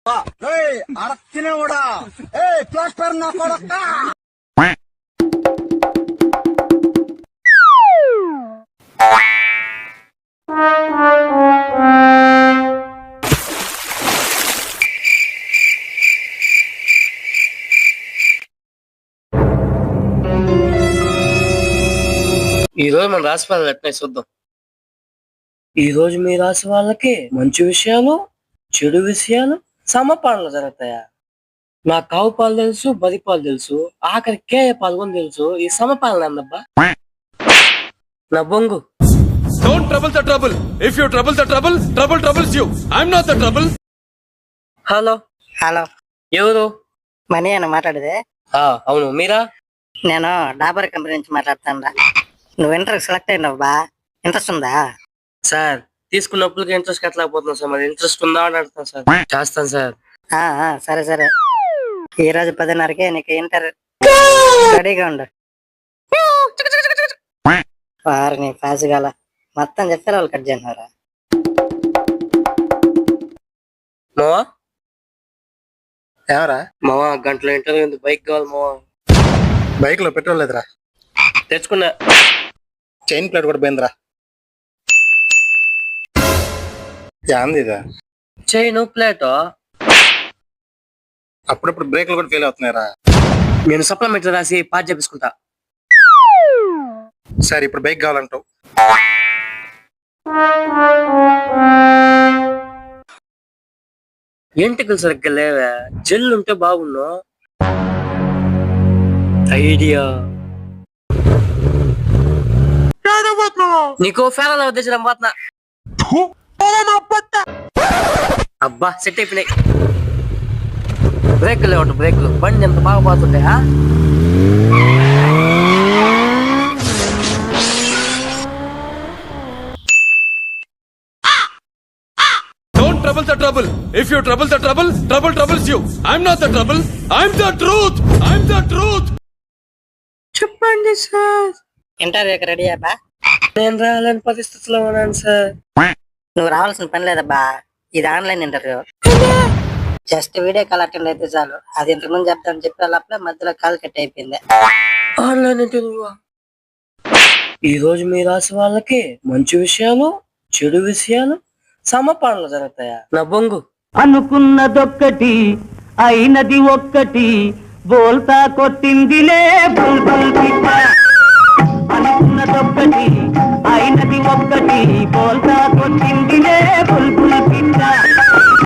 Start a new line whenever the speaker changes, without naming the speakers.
అడక్కినోడా ఏ plaster నా కొడక.
ఈ రోజు మన రాశి ఫలాలు ఎట్లా చూద్దాం. ఈ రోజు మీ రాశి వాళ్ళకి మంచి విషయాలు, చెడు విషయాలు సమపాలన జరుగుతాయా? నా కావు పాలు తెలుసు, బది పాలు తెలుసు, ఆఖరి కేయ పాల్గొని తెలుసు. ఈ సమపాలన అన్నబ్బా నా బొంగు.
Don't trouble the trouble. If you trouble the trouble, trouble troubles you. I'm not the trouble.
Hello
hello,
ఎవరు?
మనీ అని మాట్లాడేది.
అవును, మీరా?
నేను డాబర్ కంపెనీ నుంచి మాట్లాడుతాను. నువ్వు ఇంటర్వ్యూ సెలెక్ట్ అయినావు బా, ఇంట్రెస్ట్ ఉందా?
సార్ తీసుకున్నప్పుడు ఇంట్రెస్ట్ కట్టలేకపోతున్నాను సార్. మరి ఇంట్రెస్ట్ ఉందా అని అడుగుతాను సార్. చేస్తాను సార్.
సరే సరే, ఈ రోజు 10:30కి నీకు ఇంటర్వ్యూ, రెడీగా ఉండు. వారు నీ పాస్ గల మొత్తం చెప్పారు, వాళ్ళు కట్ చేసినారా?
మావా
ఏమరా
మావా, గంటలో ఇంటర్వ్యూ ఉంది, బైక్ కావాలి మావా.
బైక్ లో పెట్రోల్ లేదురా.
తెచ్చుకున్నా.
చైన్ ప్లేట్ కూడా పోయిందిరా. యాంది ఇదా?
Chain plate.
అప్పుడప్పుడు బ్రేక్లు కూడా ఫెయిల్ అవుతున్నాయిరా.
నేను సప్లిమెంట్ రాసి పాస్ చేపించుకుంటా.
సరే, ఇప్పుడు బైక్ కావాలంటావు.
ఎంటికలు సరిగ్గా లేవా? జెల్ ఉంటే బాగున్నా. ఐడియా నీకు ఫేరల్ ఉద్దేశం పోతున్నా. అబ్బా సెట్ అయిపోయినాయి. బ్రేక్లు లేవు, బ్రేక్లు. బండి ఎంత బాగా పోతుండే.
Don't trouble the trouble. If you trouble the trouble, trouble troubles you. I'm not the trouble. I'm the truth. I'm the truth.
చెప్పండి సార్.
ఇంటర్వ్యూకి రెడీ అబ్బా?
నేను రాలేని పరిస్థితిలో ఉన్నాను సార్.
నువ్వు రావాల్సిన పని లేదబ్బా, ఇది online interview. Just video call attend అయితే చాలు. అది ఇంతకుముందు చెప్తాను చెప్పేటప్పుడే మధ్యలో కాల్ కట్ అయిపోయింది.
Online interview. ఈ రోజు మీ రాశి వాళ్ళకి మంచి విషయాలు, చెడు విషయాలు సమపాలన జరుగుతాయా? నా బొంగు.
అనుకున్నదొక్కటి అయినది ఒక్కటి, బోల్తా కొట్టిందిలే బుల్బుల్ పిట్ట. అనుకున్నదొక్కటి అయినది ఒక్కటి, బోల్తా కొట్టిందిలే బుల్బుల్